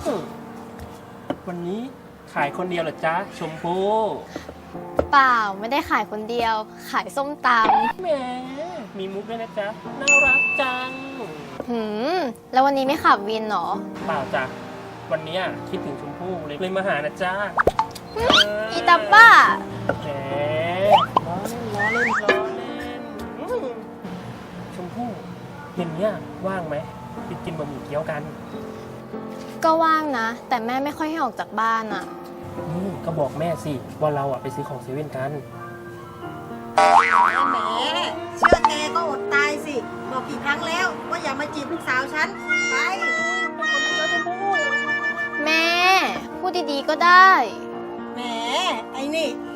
วันนี้ขายคนเดียวเหรอจ๊ะชมพู่เปล่าไม่ได้ขายคนเดียว ขายส้มตแหมมีมุกด้วยนะจ๊ะน่ารักจังำแล้ววันนี้ไม่ขับวินเหรอเปล่าจ้ะวันนี้คิดถึงชมพู่เลยมาหานะจ๊ะอีตาป้าแหมล้อเล่นชมพู่เย็นเนี้ยว่างไหมไปกินบะหมี่เกี๊ยวกันก็ว่างนะ แต่แม่ไม่ค่อยให้ออกจากบ้านอ่ะนี่ก็บอกแม่สิว่าเราไปซื้อของเซเว่นกันแหมเชื่อแกก็อดตายสิ บอกกี่ครั้งแล้วว่าอย่ามาจีบลูกสาวฉัน ไปแม่ พูดดีๆก็ได้แหม ไอ้นี่